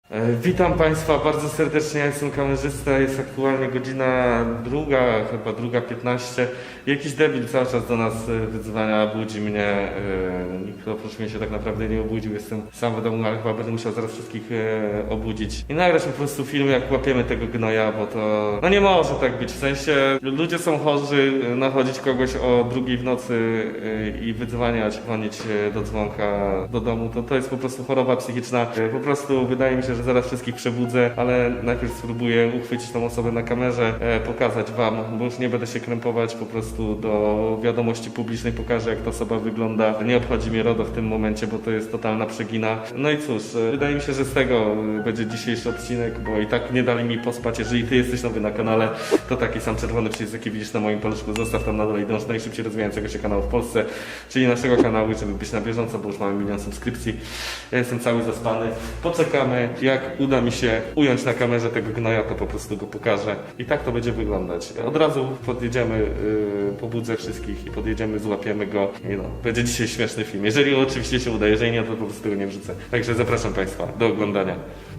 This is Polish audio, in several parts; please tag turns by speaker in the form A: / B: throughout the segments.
A: Witam Państwa bardzo serdecznie, ja jestem kamerzysta, jest aktualnie godzina druga, chyba 2:15. Jakiś debil cały czas do nas wyzwania, budzi mnie, nikt oprócz mnie się tak naprawdę nie obudził, jestem sam w domu, ale chyba będę musiał zaraz wszystkich obudzić. I nagrać po prostu film, jak łapiemy tego gnoja, bo to... No nie może tak być, w sensie ludzie są chorzy, nachodzić kogoś o 2:00 w nocy i wyzwaniać, dzwonić do dzwonka do domu, to jest po prostu choroba psychiczna. Po prostu wydaje mi się, że zaraz wszystkich przebudzę, ale najpierw spróbuję uchwycić tą osobę na kamerze, pokazać wam, bo już nie będę się krępować, po prostu do wiadomości publicznej pokażę, jak ta osoba wygląda. Nie obchodzi mnie RODO w tym momencie, bo to jest totalna przegina. No i cóż, wydaje mi się, że z tego będzie dzisiejszy odcinek, bo i tak nie dali mi pospać. Jeżeli ty jesteś nowy na kanale, to taki sam czerwony przycisk, jaki widzisz na moim paluszku, zostaw tam na dole i dąż do najszybciej rozwijającego się kanału w Polsce, czyli naszego kanału, żeby być na bieżąco, bo już mamy 1 000 000 subskrypcji. Ja jestem cały zaspany. Poczekamy, jak uda mi się ująć na kamerze tego gnoja, to po prostu go pokażę. I tak to będzie wyglądać. Od razu podjedziemy, pobudzę wszystkich i podjedziemy, złapiemy go. I no, będzie dzisiaj śmieszny film. Jeżeli oczywiście się uda, jeżeli nie, to po prostu go nie wrzucę. Także zapraszam Państwa do oglądania.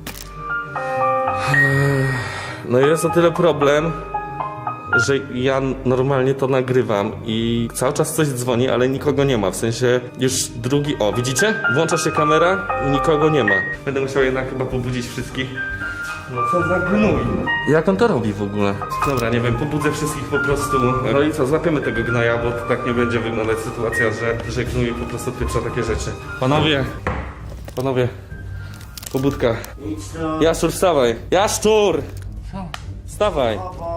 A: No jest o tyle problem, że ja normalnie to nagrywam i cały czas coś dzwoni, ale nikogo nie ma, w sensie już drugi... O, widzicie? Włącza się kamera i nikogo nie ma. Będę musiał jednak chyba pobudzić wszystkich. No co za gnój. Jak on to robi w ogóle? Dobra, nie wiem, pobudzę wszystkich po prostu. No i co, złapiemy tego gnoja, bo to tak nie będzie wyglądać sytuacja, że gnój po prostu odpieprza takie rzeczy. Panowie, pobudka. Jaszczur, wstawaj. Jaszczur!
B: Co?
A: Wstawaj.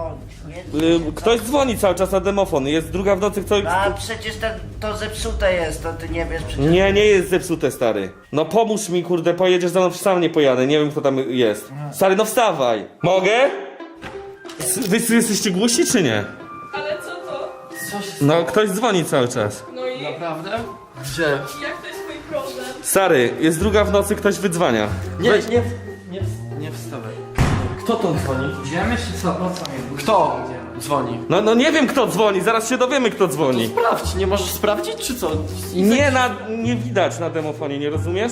A: Ktoś dzwoni cały czas na demofon. Jest 2:00 w nocy, ktoś...
B: A przecież to zepsute jest, to ty nie wiesz przecież.
A: Nie jest zepsute, stary. No pomóż mi, kurde, pojedziesz za mną, sam nie pojadę. Nie wiem, kto tam jest. Stary, no wstawaj. Mogę? Wy jesteście głusi, czy nie?
C: Ale co to?
D: Co się
A: No, ktoś dzwoni cały czas.
C: No i
D: Naprawdę? Gdzie?
C: jak to jest twój problem?
A: Stary, jest 2:00 w nocy, ktoś wydzwania.
D: Nie wstawaj. Kto to dzwoni?
E: Idziemy czy co? Po co mnie budzisz?
D: Kto dzwoni?
A: No nie wiem, kto dzwoni, zaraz się dowiemy, kto dzwoni.
D: Sprawdź, nie możesz sprawdzić, czy co?
A: Nie widać na demofonie, nie rozumiesz?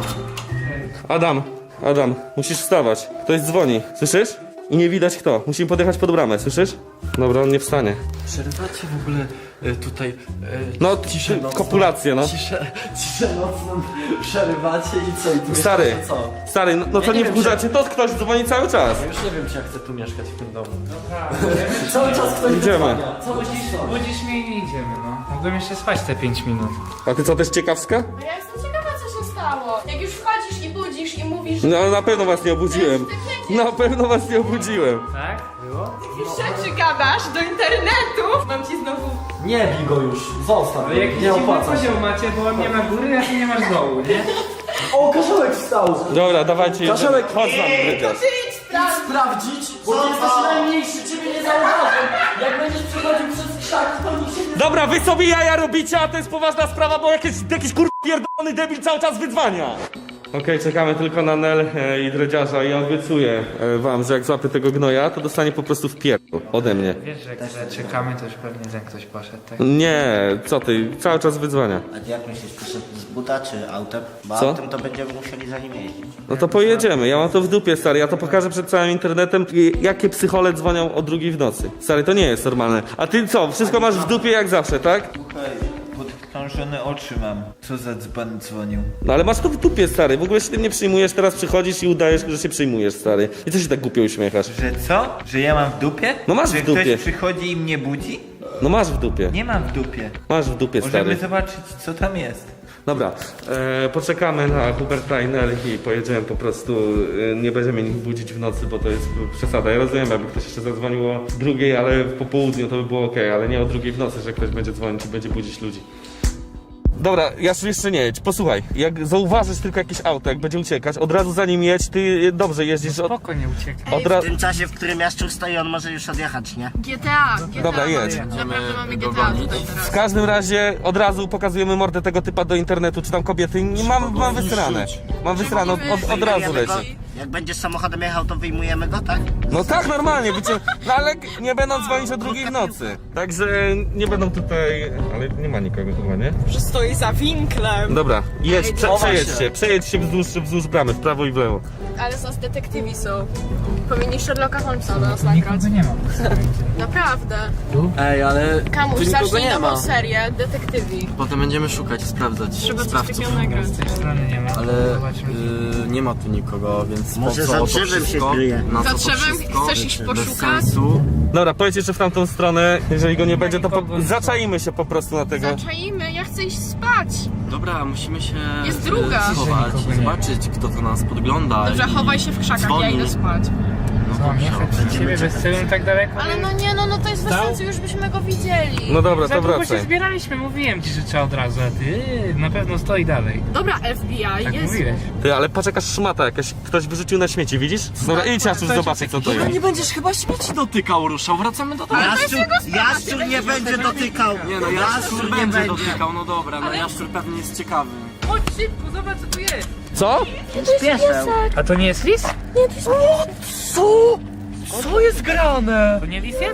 A: Adam, musisz wstawać. Ktoś dzwoni, słyszysz? I nie widać kto. Musimy podjechać pod bramę, słyszysz? Dobra, on nie wstanie.
D: Przerywacie w ogóle tutaj
A: No,
D: ciszę nocną.
A: kopulację, no.
D: Ciszę nocną przerywacie i co? I tu
A: Stary,
D: mieszkacie co?
A: stary, no co
D: nie
A: nie
D: wiem,
A: wkurzacie, to ktoś dzwoni cały czas.
D: Ja już nie wiem, czy ja chcę tu mieszkać w tym domu.
E: Dobra,
D: Cały czas ktoś
A: Idziemy.
D: wydzwania. Cały czas ktoś.
E: budzisz mnie i nie idziemy, no. Mogłem jeszcze spać te 5 minut.
A: A ty co, też ciekawska?
C: No ja jestem ciekawa, co się stało. Jak już wchodzisz i budzisz i mówisz...
A: No na pewno was nie obudziłem. Na pewno was nie obudziłem.
E: Tak? Było?
C: Jakieś rzeczy gadasz do internetu. Mam ci znowu...
D: Nie bij go już, zostaw,
E: Ale jakiś
D: nie
E: dziwny
D: opłaca się.
E: podział macie, bo on nie ma góry, a ty nie masz dołu, nie?
D: O, Kaszelek wstał!
A: Dobra, dawajcie.
D: Kaszelek,
A: chodź z nami,
C: To
A: Dredziarz.
C: ty idź sprawdź.
D: Sprawdzić, bo ty jesteś najmniejszy, ciebie nie zauważę. Jak będziesz przechodził przez krzaki, to nikt się nie...
A: Dobra, wy sobie jaja robicie, a to jest poważna sprawa, bo jakiś pierdolony debil cały czas wydzwania. Okej, czekamy tylko na Nel i Dredziarza i obiecuję wam, że jak złapię tego gnoja, to dostanie po prostu w pierdol ode mnie.
E: Wiesz, że jak czekamy, to już pewnie ten ktoś poszedł, tak?
A: Nie, co ty, cały czas wydzwania.
B: A jak myślisz, przyszedł z buta czy autem? Bo
A: Co?
B: autem to będziemy musieli za nim jeździć.
A: No to pojedziemy, ja mam to w dupie, stary, ja to pokażę przed całym internetem, jakie psychole dzwonią o 2:00 w nocy. Stary, to nie jest normalne. A ty co, wszystko masz w dupie jak zawsze, tak?
F: Słuchaj, podkrążone oczy mam. Co za dzban dzwonił?
A: No ale masz to w dupie, stary, w ogóle się tym nie przyjmujesz, teraz przychodzisz i udajesz, że się przyjmujesz, stary. I co się tak głupio uśmiechasz?
F: Że co? Że ja mam w dupie?
A: No masz
F: Że
A: w dupie.
F: ktoś przychodzi i mnie budzi?
A: No masz w dupie,
F: Nie mam w dupie.
A: masz w dupie,
F: Możemy
A: stary.
F: zobaczyć, co tam jest.
A: Dobra, poczekamy na Huberta i Nel i pojedziemy po prostu, nie będziemy ich budzić w nocy, bo to jest przesada. Ja rozumiem, jakby ktoś jeszcze zadzwonił o 2:00, ale po południu to by było ok, ale nie o 2:00 w nocy, że ktoś będzie dzwonić i będzie budzić ludzi. Dobra, Jaszu, jeszcze nie jedź, posłuchaj, jak zauważysz tylko jakieś auto, jak będzie uciekać, od razu za nim jedź, ty dobrze jeździsz,
E: Spoko, nie uciekaj.
A: od
B: W
A: razu...
B: tym czasie, w którym Jaszczur stoi, on może już odjechać, nie?
C: GTA.
A: Dobra, jedź.
C: Naprawdę mamy GTA tutaj teraz.
A: W każdym razie od razu pokazujemy mordę tego typa do internetu, czy tam kobiety, nie mam wysrane. Mam wysrane, od razu leci.
B: Jak będziesz samochodem jechał, to wyjmujemy go, tak?
A: No tak, normalnie, no ale nie będą dzwonić o 2 w nocy. Także nie będą tutaj, ale nie ma nikogo chyba, nie?
G: Że stoi za winklem.
A: Dobra, przejedźcie wzdłuż bramy, w prawo i w lewo.
C: Ale z nas detektywi są. Powinni Sherlocka Holmesa do nas nagrać.
E: Nikogo nie ma.
G: Naprawdę.
D: Ej, ale
C: Kamuś,
D: tu nikogo
C: zacznij
D: nie ma.
C: nową serię detektywi.
D: Potem będziemy szukać, sprawdzać
C: Trzeba coś
D: sprawców.
C: takiego nagrać.
E: Z tej strony nie ma.
D: Ale
E: Zobaczmy.
D: nie ma tu nikogo, więc
B: Może
D: po co
B: za
D: to
B: drzewem się
D: wszystko?
B: kryje.
D: Na
C: Za
D: co to
C: drzewem
D: wszystko?
C: chcesz iść
D: Bez
C: poszukać?
D: sensu.
A: Dobra, pojedź jeszcze w tamtą stronę, jeżeli go nie będzie, to
E: nikogo.
A: zaczaimy się po prostu na tego.
C: Zaczaimy, ja chcę iść spać.
D: Dobra, musimy się
C: Jest druga.
D: schować,
E: Nikogo nie.
D: zobaczyć, kto to nas podgląda.
C: Dobrze,
D: i
C: chowaj się w krzakach, ja
D: dzwoni.
C: idę spać.
D: No
E: No, nie
D: dobrze,
E: chcę przy ciebie bez celu tak daleko.
C: Ale no nie, no to jest bez
E: Dał?
C: sensu, już byśmy go widzieli.
A: No dobra,
E: Za
A: to
E: długo się
A: wracaj.
E: zbieraliśmy, mówiłem ci, że trzeba od razu, a ty na pewno stoi dalej.
C: Dobra, FBI,
E: Tak
C: jest.
E: mówiłeś.
A: Ty, ale patrz jakaś szmata jakaś, ktoś wyrzucił na śmieci, widzisz? Dobra, idź Jaszczur, zobaczyć co to
D: Dobra,
A: jest.
D: nie będziesz chyba śmieci dotykał, ruszał, wracamy do domu.
B: Jaszczur nie będzie dotykał.
D: Nie no, Jaszczur
B: nie
D: będzie
B: będzie.
D: dotykał, no dobra, no Jaszczur pewnie jest ciekawy.
E: Chodź szybko, zobacz co tu jest.
A: Co?
B: Pieseł.
E: A to nie jest lis?
D: Co? Co jest grane?
E: To nie lis jest?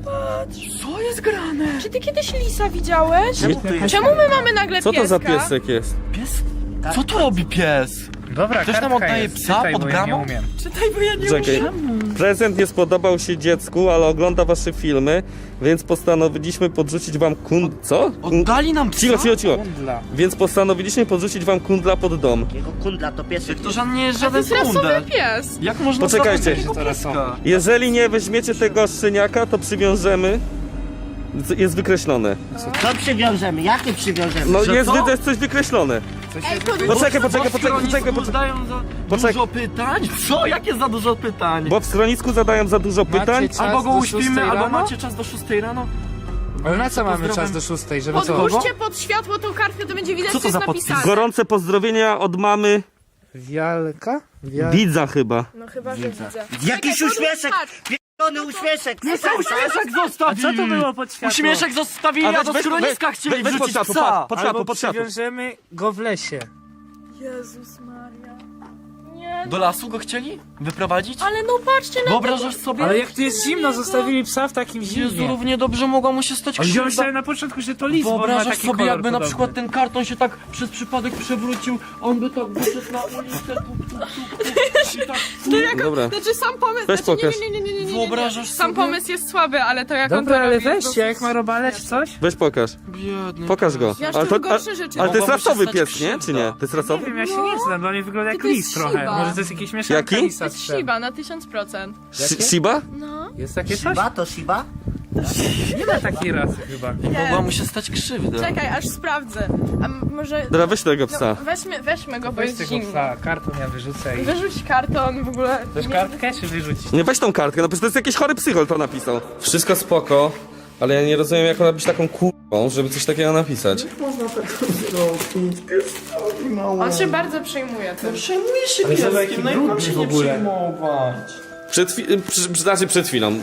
D: Co jest grane?
C: Czy ty kiedyś lisa widziałeś?
B: Czemu tu jest?
C: Czemu my mamy nagle
A: Co
C: pieska?
A: to za piesek jest?
D: Pies? Co tu robi pies?
E: Dobra,
D: Ktoś nam
E: kartka
D: oddaje
E: jest.
D: psa
E: Czytaj,
D: pod
E: bo ja nie
D: bramą?
E: umiem.
D: Czytaj, bo ja nie
A: Czekaj. Prezent nie spodobał się dziecku, ale ogląda wasze filmy, więc postanowiliśmy podrzucić wam Co?
D: Oddali nam psa?
A: Cicho.
E: Kundla.
A: Więc postanowiliśmy podrzucić wam kundla pod dom.
B: Jego kundla to piesek.
D: To żaden nie jest
C: To
D: żaden
C: jest rasowy
D: kundel.
C: pies.
D: Jak można
A: Poczekajcie.
D: zabrać takiego
E: To rasowy.
D: pieska?
A: Jeżeli nie weźmiecie tego szczeniaka, to przywiążemy. Jest wykreślone.
B: Co przywiążemy? Jakie przywiążemy?
A: No
D: Że
A: jest,
D: co?
A: jest coś wykreślone.
C: Ej, to
A: Poczekaj.
D: Zadają za
A: Poczekaj.
D: dużo pytań? Co? Jakie za dużo pytań?
A: Bo w schronisku zadają za dużo pytań.
E: Macie czas
D: Albo go
E: do
D: uśpimy,
E: 6
D: albo
E: rano?
D: macie czas do 6 rano.
E: Ale na co mamy
D: Pozdrawiam.
E: czas do 6, żeby co?
C: Podłóżcie pod światło tą kartkę, to będzie widać,
D: Co to
C: co jest
D: za podpis?
C: napisane.
A: Gorące pozdrowienia od mamy
E: Wialka?
A: widza chyba.
C: No chyba, że widzę.
B: Jakiś
C: Czekaj,
B: uśmieszek!
C: patrz.
B: Pierdolony uśmieszek!
D: Uśmieszek zostawili!
E: A co to było pod światło?
D: Uśmieszek zostawili, a do schroniska chcieli
A: weź pod
D: wrzucić
A: światło,
D: psa!
A: pod światło,
E: Albo
A: pod światło.
E: przywiążemy go w lesie.
C: Jezus Maria. Nie,
D: Do lasu go chcieli wyprowadzić?
C: ale no patrzcie na
D: Wyobrażasz sobie?
E: Ale jak tu jest zimno, zostawili psa w takim
D: Jezu,
E: zimnie.
D: równie dobrze mogła mu się stać
E: A wziąłem
D: krzywda.
E: sobie na początku, że to lis, bo on ma
D: Wyobrażasz
E: taki
D: sobie,
E: kolor
D: jakby na
E: podobny.
D: przykład ten karton się tak przez przypadek przewrócił, on by tak wyszedł na ulicę, i tak,
A: Dobra.
C: Znaczy sam pomysł,
A: Weź
C: znaczy,
A: pokaż.
C: nie.
D: Wyobrażasz
C: Sam
D: sobie?
C: pomysł jest słaby, ale to jak on
E: Dobra,
C: to
E: ale
C: robi, jest
E: weźcie, jak ma robale czy coś?
A: Weź pokaż.
D: Biedny
A: Pokaż go.
C: Ja
A: Ale
C: już
A: to,
C: gorsze rzeczy.
A: ale to jest
D: Mogłaby się
A: rasowy
D: stać
A: pies, nie? Czy
D: krzywda.
A: nie? To jest
E: Nie
A: rasowy?
E: wiem, ja się nie znam, bo on wygląda jak
C: to jest
E: lis trochę.
C: Shiba.
E: Może to jest jakieś mieszanka
A: Jaki?
E: lisa
C: To
E: z
C: jest
E: psem.
C: Shiba na 1000%.
A: Shiba?
C: No.
E: Jest takie coś?
B: Shiba to Shiba?
E: Nie ma takiej rasy chyba.
D: Mogła mu się stać krzywda.
C: Czekaj, aż sprawdzę. A może...
A: Dobra, weź tego psa.
C: No, weźmy go, bo
E: Weź
C: jest
E: tego
C: zimno.
E: psa, karton ja wyrzucę i...
C: Wyrzuć karton w ogóle.
E: Chcesz kartkę czy wyrzucić?
A: Nie, weź tą kartkę, no przecież to jest jakiś chory psychol to napisał. Wszystko spoko, ale ja nie rozumiem jak ona być taką kurwą, żeby coś takiego napisać.
C: On się bardzo przejmuje tym.
D: Przejmuje się
E: Ale zobacz, jaki
D: pieskiem, no i mam
E: brudny
D: się
E: w
D: nie
E: ogóle.
D: przejmować.
A: Przed chwilą.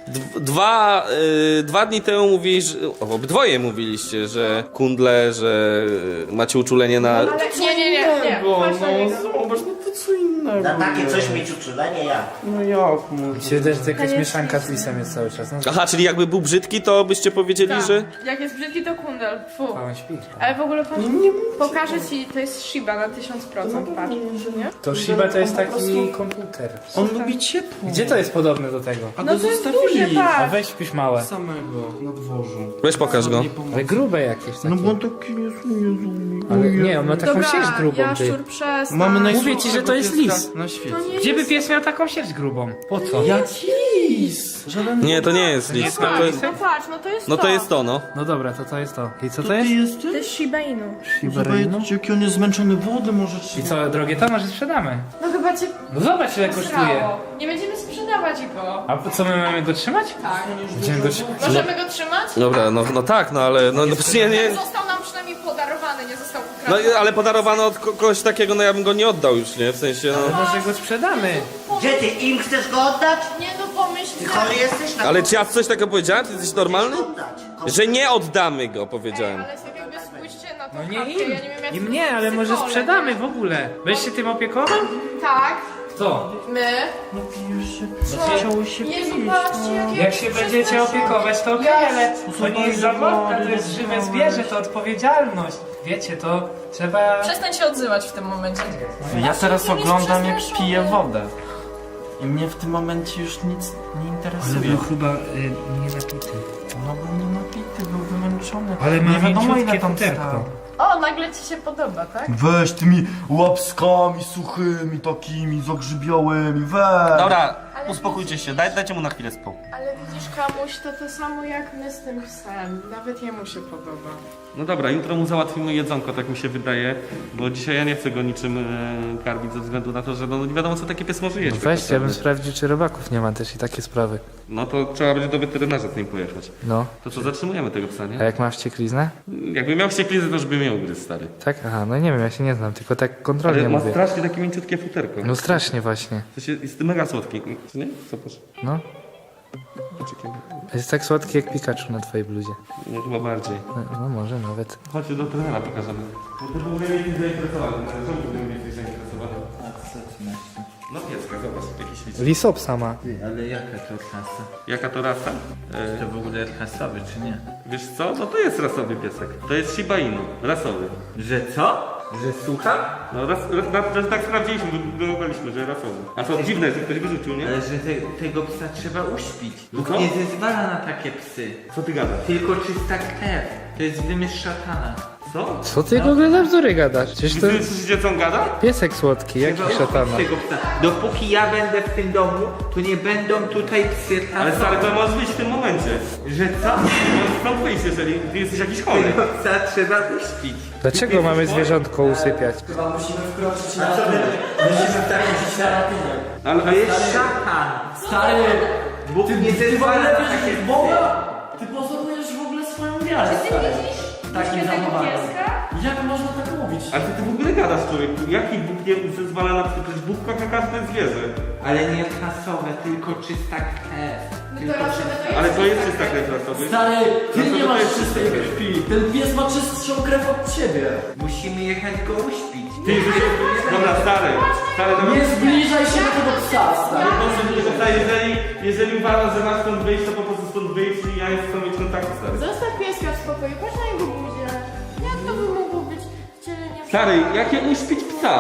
A: Dwa dni temu obydwoje mówiliście, że kundle, że macie uczulenie na...
C: Ale nie. Patrz na niego.
D: Zobacz, no to co innego.
B: Na takie coś mieć uczulenie ja.
D: No jak mu?
E: Mi się wydaje, że to jakaś mieszanka z lisem jest cały czas. No,
A: Aha, czyli jakby był brzydki, to byście powiedzieli, że...
C: Jak jest brzydki, to kundel. Fu.
E: a on śpi.
C: Ale w ogóle patrz, pokażę ci, to jest Shiba na 1000%, patrz, nie?
E: To Shiba to jest taki komputer.
D: On lubi ciepło.
E: Gdzie to jest podobne do tego?
D: A
C: No
D: go
C: to jest
D: zostawili.
C: duże,
E: A
C: patrz.
E: weź wpisz małe.
D: Samego na dworzu.
A: Weź pokaż go.
D: Nie pomoże.
E: Ale grube jakieś takie.
D: No bo on taki jest, Jezu.
E: Ale nie, on ma taką
C: Dobra,
E: sierść grubą, ty.
C: Jaszczur, przestań.
D: Mamy
E: Mówię ci, że to jest
D: pieska
E: lis.
D: na świecie.
C: To nie
E: Gdzie by
C: jest...
E: pies miał taką sierść grubą? Po co?
D: Jaki lis? Żaden
A: Nie, to nie jest lis.
E: jest
A: To jest...
C: No patrz, no to jest
A: No to jest to, no.
E: No dobra, to jest to. I co to
D: ty
E: jest?
D: jesteś?
C: To jest Shiba Inu.
D: Zobaczcie, jaki on jest zmęczony, wodę może
E: I
D: trzeba.
E: co, drogie to może sprzedamy?
C: No chyba cię
E: No zobacz ile kosztuje.
C: posrało. Nie będziemy sprzedawać go.
E: A co my mamy go trzymać?
C: Tak.
E: Będziemy go trzymać.
C: Możemy go trzymać?
A: Dobra, no tak, no ale... No przecież nie...
C: Został nam przynajmniej podarowany, nie został
A: No
C: ukradony.
A: ale podarowano od kogoś takiego, no ja bym go nie oddał już, nie? W sensie, no...
E: Może go sprzedamy.
B: Gdzie ty im chcesz go oddać?
C: Nie no pomyśl
B: Ty chory jesteś? Na
A: Ale czy ja coś takiego powiedziałem? Ty jesteś normalny?
B: oddać.
A: Że nie oddamy go, powiedziałem.
C: Ale tak jakby spójrzcie na tą
E: No nie
C: kartkę,
E: im.
C: ja nie wiem jak
E: Im nie, ale może
C: psycholog,
E: sprzedamy
C: nie?
E: w ogóle. Weź się tym opiekował?
C: Tak,
E: Co?
C: My?
D: Napijesz się.
C: Co?
D: Chciałeś się
C: Jezu,
D: pić.
C: patrzcie, jakie...
E: Jak się będziecie opiekować, to okej, ale to nie jest zabawka, to jest żywe zwierzę, to odpowiedzialność. Wiecie, to trzeba...
C: Przestań się odzywać w tym momencie.
D: Ja teraz
C: Nie jest
D: oglądam jak
C: przestraszony.
D: piję wodę. I mnie w tym momencie już nic nie interesuje.
E: chyba nie napity.
D: No był nie napity, był wymęczony.
E: Ale ma
D: nie wiadomo ile
E: mięciutkie
D: tam
E: futerko.
D: stał.
C: O, nagle ci się podoba, tak?
H: Weź tymi łapskami suchymi takimi, zagrzybiałymi, weź!
A: Dobra,
C: Ale
A: uspokójcie się, dajcie mu na chwilę spokój.
C: Ale widzisz, Kamuś, to samo jak my z tym psem. Nawet jemu się podoba.
A: No dobra, jutro mu załatwimy jedzonko, tak mi się wydaje, bo dzisiaj ja nie chcę go niczym karmić ze względu na to, że no nie wiadomo co taki pies może jeść.
I: No
A: tak
I: weź, ja bym
A: naprawdę.
I: sprawdził, czy robaków nie ma też i takie sprawy.
A: No to trzeba będzie do weterynarza z nim pojechać.
I: No,
A: To co, zatrzymujemy tego psa,
I: a
A: nie?
I: jak ma wściekliznę?
A: Jakby miał wścieklizę, to już by miał gryz, stary.
I: Tak? Aha, no nie wiem, ja się nie znam, tylko tak kontrolnie
A: Ale ma
I: mówię.
A: strasznie takie mięciutkie futerko.
I: No strasznie właśnie.
A: To się, jest mega słodki, czy nie? Zobacz.
I: No, jest tak słodki jak Pikachu na twojej bluzie.
A: No chyba bardziej.
I: No może nawet.
A: Chodź do trenera pokażemy. Bo ty byłby mnie zainteresowany. Czemu ty byłby mnie zainteresowany?
F: A co ty masz?
A: No pieska, zobacz, jakiś licznik.
I: Lisopsa ma.
F: Ty, ale jaka to klasa?
A: Jaka to rasa?
F: To w ogóle rasowy czy nie?
A: Wiesz co? No to jest rasowy piesek. To jest Shiba Inu, rasowy.
F: Że co? Że słucham?
A: No tak sprawdziliśmy, wyglądaliśmy, że rasowy. A co dziwne, że ktoś wyrzucił, nie?
F: Ale że tego psa trzeba uśpić.
A: No
F: Bóg
A: co?
F: nie zezwala na takie psy.
A: Co ty gadasz?
F: Tylko czysta krew. To jest wymysł szatana.
A: Co?
I: Co ty w ogóle za bzdury gadasz? Przecież to
A: Wy
I: jest
A: słyszycie co on gada?
I: piesek słodki, jaki
F: Trzeba
I: szatana.
F: uśpić tego psa. Dopóki ja będę w tym domu, to nie będą tutaj psy
A: Ale
F: rasowe.
A: stary, to możesz wyjść w tym momencie.
F: Że co?
A: Możesz stąd wyjść, jeżeli ty jesteś jakiś chory.
F: Tego psa trzeba uśpić.
I: Dlaczego mamy zwierzątko usypiać?
A: Ale
F: To jest szatan. Stary, Bóg nie zezwala na takie psy.
D: Ty pozorujesz w ogóle swoją wiarę, stary. Takim zachowaniem. Jak można tak mówić?
A: A ty w ogóle gadasz, człowieku? Jaki Bóg nie zezwala na psy? Przecież Bóg kocha każde zwierzę.
F: Ale nie rasowe, tylko czysta krew. Tylko czysta...
A: Ale to jest czysta krew rasowy.
D: Stary, ty
A: No to
D: nie
A: to
D: masz
A: jest
D: czystej
A: czyste.
D: krwi. Ten pies ma czystszą krew od ciebie.
F: Musimy jechać go uśpić.
A: Ty, dobra, stary, dobra.
D: Nie zbliżaj się do tego psa, stary.
A: Jeżeli uważasz, że masz stąd wyjść, to po prostu stąd wyjść i ja nie chcę mieć kontaktu, stary.
C: Zostaw pieska w spokoju, patrz na jego buzię. Jak to by mogło być wcielenie...
A: Stary, jakie uśpić psa?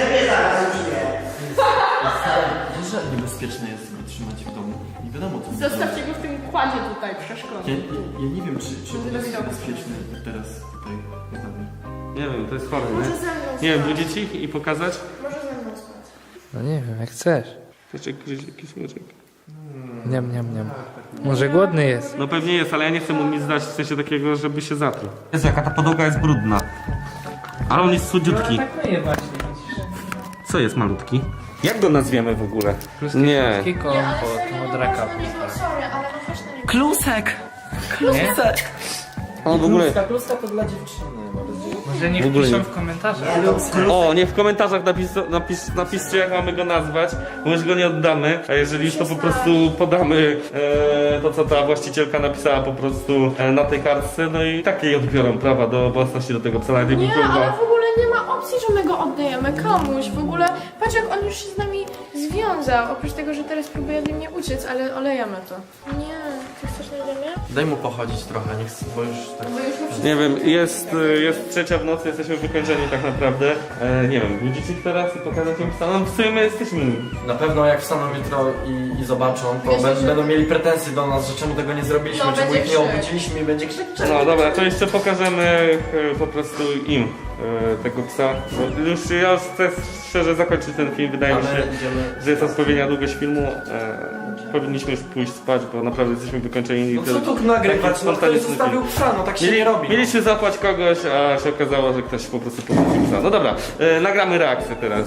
D: Wiesz, że niebezpieczne jest go trzymać w domu. Nie wiadomo co.
C: Zostawcie go w tym kładzie tutaj, przeszkodzie.
D: Ja nie wiem, czy
C: Będzie
D: jest
C: dowiedział.
D: bezpieczny teraz tutaj. naprawdę.
A: Nie wiem, to jest chore,
C: Może
A: nie?
C: ze mną
A: Nie wiem,
C: spać.
A: budzić ich i pokazać?
C: Może ze mną spać.
I: No nie wiem, jak chcesz.
A: Jakiś słodziek.
I: Niam, niam, niam. Może głodny jest.
A: No pewnie jest, ale ja nie chcę mu nic dać w sensie takiego, żeby się zatruł. Jezu, jaka ta podłoga jest brudna. Ale on jest słodziutki.
E: Atakuje właśnie, widzisz.
A: Co jest malutki? Jak go nazwiemy w ogóle? Nie.
I: Taki
C: Nie, ale
I: kompot,
C: serio,
I: modra
C: no,
I: kapusta.
C: na niego, sorry, ale no weź na niego.
D: Klusek! Klusek!
A: On w ogóle...
D: Kluska to dla dziewczyny bardziej.
E: Może nie
A: W ogóle
E: wpiszą
A: nie.
E: w komentarzach.
A: O, nie w komentarzach napiszcie jak mamy go nazwać, bo już go nie oddamy, a jeżeli już to po prostu podamy to co ta właścicielka napisała po prostu na tej kartce, no i tak jej odbiorą prawa do własności do tego psa, nawet jakby
C: Nie,
A: kurwa-
C: ale w ogóle nie ma opcji, że my go oddajemy komuś. W ogóle, patrz jak on już się z nami związał. Oprócz tego, że teraz próbuje ode mnie uciec, ale olejemy to. Nie, ty chcesz na ziemię?
D: Daj mu pochodzić trochę, nie chcę, bo już tak...
C: Bo już mu
A: Nie wiem, jest trzecia w nocy, jesteśmy wykończeni tak naprawdę. Nie wiem, budzić ich teraz i pokazać im psa, no w sumie my jesteśmy...
D: Na pewno jak wstaną jutro i zobaczą, to
C: Wiesz, że-
D: będą mieli pretensje do nas, że czemu tego nie zrobiliśmy,
C: No,
D: czemu
C: będzie
D: ich nie
C: krzyk.
D: obudziliśmy i będzie krzyk.
A: No dobra, to jeszcze pokażemy po prostu im tego psa. Bo już ja już chcę szczerze zakończyć ten film, wydaje mi się,
D: Ale idziemy...
A: że jest odpowiednia długość filmu. Powinniśmy już pójść spać, bo naprawdę jesteśmy wykończeni.
D: No co tu nagrywać?
A: taki
D: No ktoś
A: spontaniczny
D: zostawił
A: film.
D: psa, no tak się nie robi.
A: Mieliśmy zapłać kogoś, a się okazało, że ktoś po prostu porzucił psa. No dobra, nagramy reakcję teraz.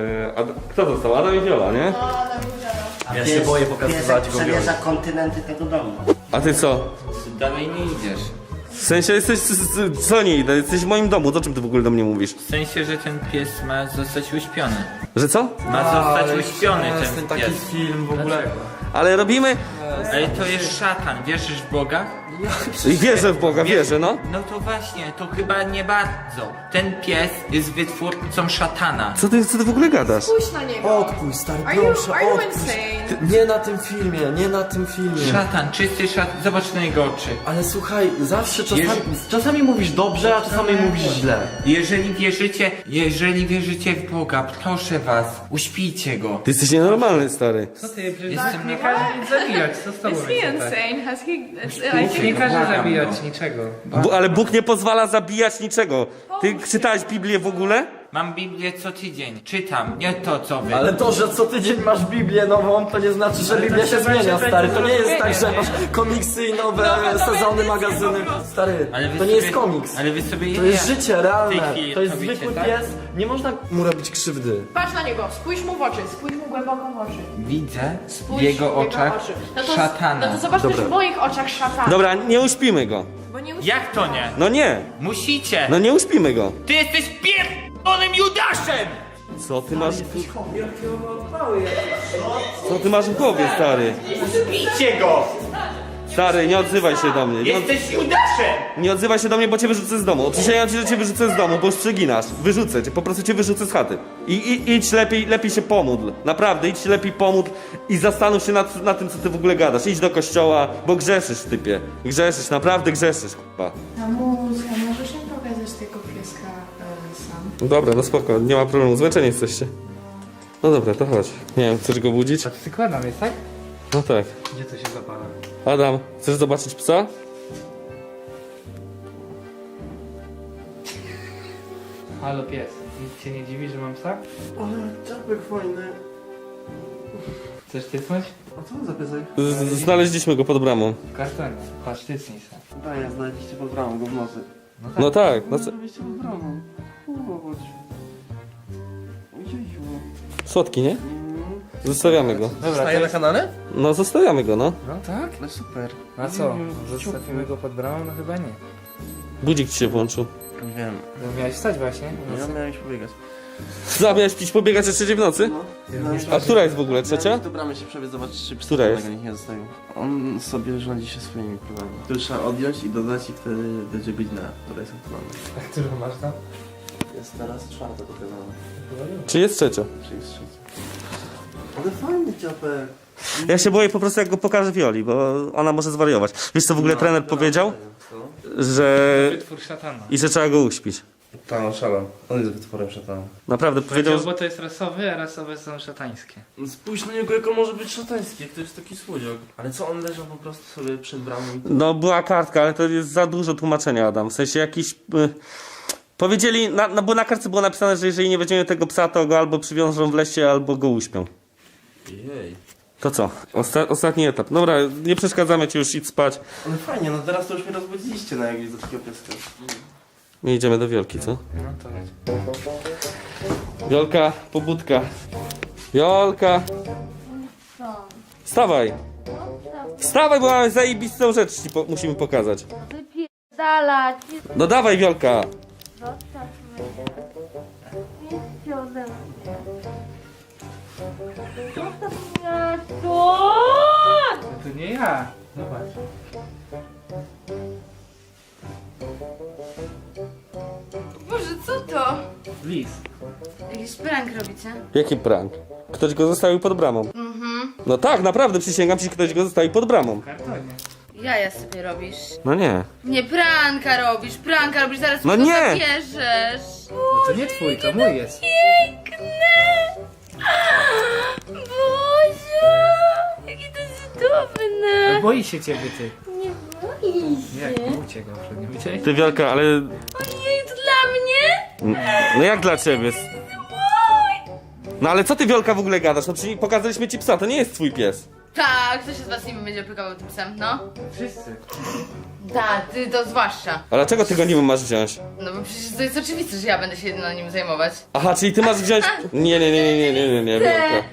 A: Kto został? Adam i Viola, nie?
D: Ja się boję pokazywać go
B: przemierza kontynenty tego domu.
A: A ty co?
F: Dalej nie idziesz.
A: W sensie jesteś, co nie idę, jesteś w moim domu, o czym ty w ogóle do mnie mówisz?
F: W sensie, że ten pies ma zostać uśpiony.
A: Że co?
F: Ma zostać uśpiony
D: jest
F: ten
D: taki
F: pies.
D: film w ogóle.
A: Ale robimy,
F: Ale to jest szatan, wierzysz w Boga?
A: I wierzę w Boga, wierzę, no.
F: No to właśnie, to chyba nie bardzo. Ten pies jest wytwórcą szatana.
A: Co ty w ogóle gadasz?
C: Spójrz na niego.
H: Odpuść, stary,
C: Are you,
H: proszę,
C: are you
H: odpuść.
C: insane?
H: Nie na tym filmie, nie na tym filmie.
F: Szatan, czysty szatan, zobacz na jego oczy.
H: Ale słuchaj, zawsze czasami mówisz dobrze, a czasami mówisz źle.
F: Jeżeli wierzycie w Boga, proszę was, uśpijcie go.
A: Ty jesteś nienormalny, stary.
E: Co ty, przecież
F: Jestem
E: nie każe nic zabijać, co z tobą
C: Is he
E: jest tak?
C: insane? Has he... I
E: Nie
C: think...
E: każe zabijać niczego.
A: Ale Bóg nie pozwala zabijać niczego. Ty czytałeś Biblię w ogóle?
F: Mam Biblię co tydzień, czytam, nie to co wy.
H: Ale to, że co tydzień masz Biblię nową, to nie znaczy, że Biblia się zmienia, stary. To nie jest tak, że masz komiksy i nowe sezony, magazyny. Stary,
F: Ale wy
H: to nie
F: sobie-
H: jest komiks.
F: Ale wy sobie
H: To jest życie
F: w tej
H: realne.
F: chwili
H: To jest
F: robicie,
H: zwykły
F: tak?
H: pies. Nie można mu robić krzywdy.
C: Patrz na niego, spójrz mu w oczy, spójrz mu głęboko w oczy.
F: Widzę
C: Spójrz
F: w jego
C: w
F: oczach
C: oczy. No to,
F: szatana.
C: No to zobacz też w moich oczach szatana.
A: Dobra, nie uśpimy go.
C: Bo nie
F: Jak to nie?
A: No nie,
F: Musicie!
A: no nie uśpimy go.
F: Ty jesteś pierdolonym Judaszem!
A: Co ty masz? Co ty masz w głowie, stary?
F: Bijcie go!
A: Stary, nie odzywaj się do mnie.
F: Jesteś Judaszem!
A: Nie odzywaj się do mnie, bo cię wyrzucę z domu. Przysięgam ci, że cię wyrzucę z domu, bo już przeginasz. Wyrzucę cię, po prostu cię wyrzucę z chaty. Idź lepiej się pomódl. Naprawdę, idź się lepiej pomódl i zastanów się nad tym, co ty w ogóle gadasz. Idź do kościoła, bo grzeszysz, typie. Grzeszysz, naprawdę grzeszysz, kurwa.
C: Mamusia, możesz mi pokazać tego pieska sam?
A: No dobra, no spoko, nie ma problemu, zmęczeni jesteście. No dobra, to chodź. Nie wiem, chcesz go budzić?
E: Przykładam jest, tak?
A: No tak.
E: Gdzie to się zapala?
A: Adam, chcesz zobaczyć psa?
E: Halo pies, nic cię nie dziwi, że mam psa?
H: Ale czapek fajny.
E: Chcesz typnąć?
H: A co za piesek?
A: Znaleźliśmy go pod bramą.
E: W kartonie. Patrz, tycnij se.
H: Daję, znaleźliście pod bramą go w nocy.
A: No tak, no co?
H: Znaleźliście pod bramą. Chodź. Ojejku.
A: Słodki, nie? Zostawiamy go.
E: Dobra,
H: Zostaje na kanale?
A: No zostawiamy go, no.
E: No tak?
H: No super.
E: A co? Zostawimy go pod bramą? No chyba nie.
A: Budzik ci się włączył.
H: Nie wiem.
E: No miałeś wstać właśnie.
H: Ja miałem iść pobiegać.
A: Zamiast pić pobiegać o 3 w nocy? A która jest w ogóle? Trzecia?
H: Do bramy się przebiec, zobaczyć czy
A: Która jest?
H: nikt nie zostawił. On sobie rządzi się swoimi planami. Tu trzeba odjąć i dodać i wtedy będzie godzina, która jest aktualna.
E: A którą masz tam?
H: Jest teraz czwarta pokazana.
A: Czy jest trzecia?
H: Czy jest trzecia? Ale fajny ciapek.
A: Ja się boję po prostu, jak go pokażę Wioli, bo ona może zwariować. Wiesz co w ogóle trener powiedział? Że...
E: Wytwór szatana.
A: I że trzeba go uśpić.
H: Tak, on szalał. On jest wytworem szatana.
A: Naprawdę powiedział,
E: Bo to jest rasowy, a rasowe są szatańskie.
H: No spójrz na niego, jak on może być szatański, jak to jest taki słodziak. Ale co, on leżał po prostu sobie przed bramą i...
A: no była kartka, ale to jest za dużo tłumaczenia, Adam. W sensie jakiś... powiedzieli, bo na kartce było napisane, że jeżeli nie weźmiemy tego psa, to go albo przywiążą w lesie, albo go uśpią.
H: Jej.
A: To co? Ostatni etap. Dobra, nie przeszkadzamy ci, już idź spać.
H: Ale fajnie, no teraz to już mnie rozbudziliście na jakieś do takiego pieska.
A: My idziemy do Wiolki, co?
E: No to
A: Wiolka, pobudka. Wiolka. Wstawaj. Wstawaj, bo mamy zajebistą rzecz ci musimy pokazać.
J: Wypierdalać.
A: No dawaj, Wiolka.
J: Zostaw mnie. Idźcie ode mnie. Zostaw mnie. Stop!
E: to nie ja. Zobacz.
C: Boże, co to?
E: Lis.
C: Jakiś prank robicie?
A: Jaki prank? Ktoś go zostawił pod bramą. No tak, naprawdę, przysięgam ci, ktoś go zostawił pod bramą.
E: W kartonie.
C: Jaja sobie robisz.
A: No nie.
C: Nie, pranka robisz, zaraz
A: No
C: mi go
A: nie.
C: zabierzesz.
E: No to nie twój, to mój jest.
J: Boże! Jakie to jest cudowne!
E: Boi się ciebie ty.
J: Nie boi się.
E: Jak? Uciekł przed nim. Widziałeś?
A: Ty, Wiolka, ale...
J: Ojej, to dla mnie?
A: No jak dla ciebie? No ale co ty, Wiolka, w ogóle gadasz? No przecież pokazaliśmy ci psa, to nie jest twój pies.
C: Tak, kto się z was nie będzie opiekował tym psem, no?
E: Wszyscy.
C: Tak, ty to zwłaszcza.
A: A dlaczego ty go nim masz wziąć?
C: No bo przecież to jest oczywiste, że ja będę się nim zajmować.
A: Aha, czyli ty masz wziąć... Nie, Wiolka.
C: Wy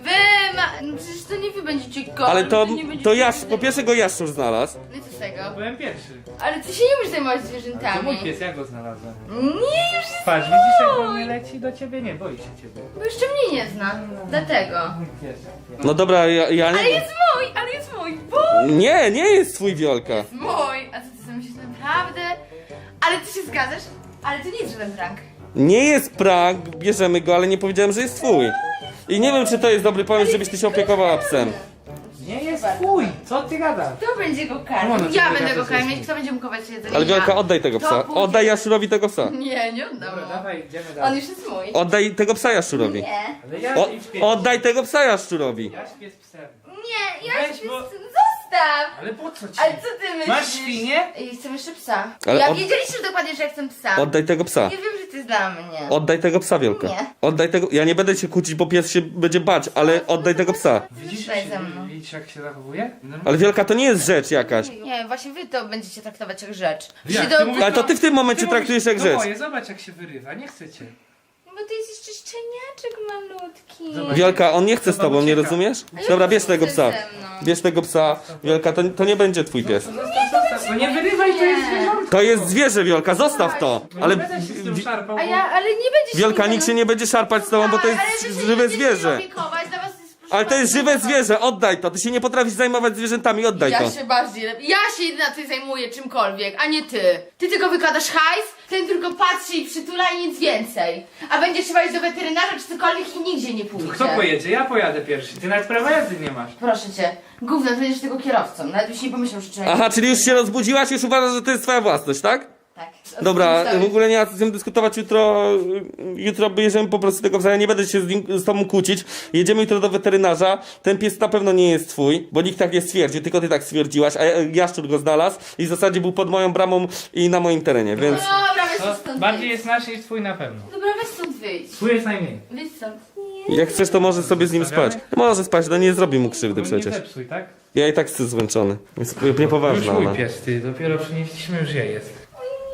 J: No przecież to nie wy będziecie go.
A: Ale to
J: nie będziecie
A: po pierwsze go Jaszczur znalazł.
J: No i co z tego?
E: Byłem pierwszy.
J: Ale ty się nie umiesz zajmować
E: To
J: zwierzętami.
E: mój pies, ja go znalazłem.
J: Nie, już jest
E: Patrz, widzisz jak do mnie leci? Do ciebie nie, boi się ciebie.
J: bo jeszcze mnie nie zna. Dlatego.
E: Mój pies.
A: No dobra, ja
J: Ale
A: nie...
J: jest mój, bo
A: Nie jest twój Wiolka.
J: mój. A co ty sobie myślisz naprawdę? Ale ty się zgadzasz? Ale to nie jest żaden prank.
A: Nie jest prank, bierzemy go, ale nie powiedziałem, że jest twój. I nie wiem, czy to jest dobry pomysł, żebyś ty się opiekowała psem.
E: Nie jest twój, co ty gadasz?
J: Kto będzie go
E: No,
J: karmił?
E: no,
J: Ja
E: to
J: będę
E: ja
J: go
E: też
J: karmić.
E: jestem.
J: Kto będzie mu kować jedzenie?
A: Ale Wiolka,
J: Ja.
A: oddaj tego psa.
J: To później.
A: Oddaj Jaszurowi tego psa.
J: Nie, nie oddam
E: Dobra,
J: mu.
E: dawaj, idziemy
J: On
E: dalej.
J: już jest mój.
A: Oddaj tego psa Jaszurowi.
J: Nie.
E: Ale ja
A: O,
E: śpię.
A: oddaj tego psa Jaszczurowi.
E: Ja śpię z psem.
J: Nie, ja
E: Weź,
J: śpię
E: bo-
J: Zostaw!
E: Ale po co ci?
J: Ale co ty myślisz?
E: Masz świnię?
J: I chcę jeszcze psa.
A: Ale
J: Ja
A: od-
J: wiedzieliście dokładnie, że ja chcę psa.
A: Oddaj tego psa.
J: Ja wiem, że to jest dla mnie.
A: Oddaj tego psa, Wiolka.
J: Nie.
A: Oddaj tego... Ja nie będę się kłócić, bo pies się będzie bać, ale oddaj tego psa.
E: Widzisz,
J: Zostań ze mną.
E: widzisz jak się zachowuje?
A: Ale Wiolka, to nie jest rzecz jakaś.
J: Nie, właśnie wy to będziecie traktować jak rzecz.
E: Jak?
J: Się do...
E: Ty mówisz-
A: Ale to ty w tym momencie
E: Ty
A: traktujesz jak
E: mówisz,
A: rzecz.
E: To moje, zobacz jak się wyrywa, nie chcecie.
J: Bo to jest jeszcze szczeniaczek malutki.
E: Zobacz.
A: Wiolka, on nie chce z
E: Zobacz,
A: tobą, nie
E: ucieka.
A: rozumiesz?
J: A ja
A: Dobra,
J: już
A: bierz tego
J: chcę
A: psa.
J: ze mną.
A: Bierz tego psa. Wiolka, to nie będzie twój pies.
E: Zostaw, no nie wyrywaj, to jest zwierzątko.
A: To jest zwierzę, Wiolka, zostaw to.
E: No
A: Ale
E: nie będę się z tym szarpał,
J: A
E: bo-
J: ja, ale nie będzie
A: Wiolka, nikt się nie będzie szarpać z tobą, bo to
J: Ale wy
A: jest
J: się
A: żywe
J: nie będziecie
A: zwierzę.
J: opiekować, dla was jest, proszę
A: Ale to jest
J: bardzo,
A: żywe zwierzę, oddaj to. Ty się nie potrafisz zajmować zwierzętami, oddaj to.
J: Ja się bardziej... Ja się jedyna zajmuję czymkolwiek, a nie ty. Ty tylko wykładasz hajs, ten tylko patrzy i przytula i nic więcej. A będzie trzeba iść do weterynarza czy cokolwiek i nigdzie nie pójdzie.
E: Kto pojedzie? Ja pojadę pierwszy. Ty nawet prawa jazdy nie masz.
J: Proszę cię, gówno, ty będziesz tego kierowcą. Nawet byś nie pomyślał, że człowiek...
A: Aha, czyli już się rozbudziłaś, już uważasz, że to jest twoja własność, tak?
J: Tak.
A: Dobra,
J: Zostawić.
A: w ogóle nie ma co z tym dyskutować jutro. Jutro bierzemy po prostu tego psa, ja nie będę się z tobą kłócić. Jedziemy jutro do weterynarza. Ten pies na pewno nie jest twój, bo nikt tak nie stwierdził, tylko ty tak stwierdziłaś, a Jaszczur go znalazł i w zasadzie był pod moją bramą i na moim terenie, więc...
J: Dobra, weź
E: To
J: stąd
E: bardziej
J: wyjdź.
E: jest nasz niż twój na pewno.
J: Dobra, weź stąd wyjdź.
E: Twój jest najmniej.
J: Wyjdź stąd.
A: Jak chcesz, to możesz sobie z nim spać. Może spać, no nie zrobi mu krzywdy
E: Nie
A: przecież.
E: zepsuj, tak?
A: Ja i tak jestem zmęczony. Jest
E: Już
A: niepoważna
E: mój
A: ona.
E: pies, ty. Dopiero przynieśliśmy, już je jest.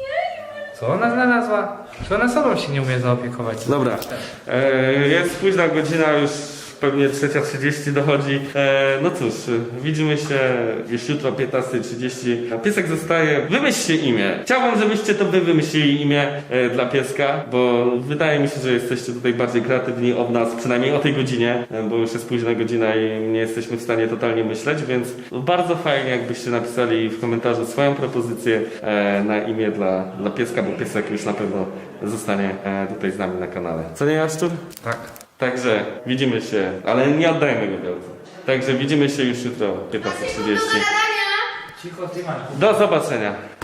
E: Co ona znalazła? Czy ona sobą się nie umie zaopiekować?
A: Dobra, jest późna godzina, już pewnie 3:30 dochodzi. No cóż, widzimy się już jutro 15:30. Piesek zostaje. Wymyślcie imię. Chciałbym, żebyście to wy wymyślili imię dla pieska, bo wydaje mi się, że jesteście tutaj bardziej kreatywni od nas, przynajmniej o tej godzinie, bo już jest późna godzina i nie jesteśmy w stanie totalnie myśleć, więc bardzo fajnie, jakbyście napisali w komentarzu swoją propozycję na imię dla pieska, bo piesek już na pewno zostanie tutaj z nami na kanale. Co nie, Jaszczur?
E: Tak.
A: Także widzimy się, ale nie oddajemy go wielce. Także widzimy się już jutro o 15:30.
E: Cicho, ty masz.
A: Do zobaczenia.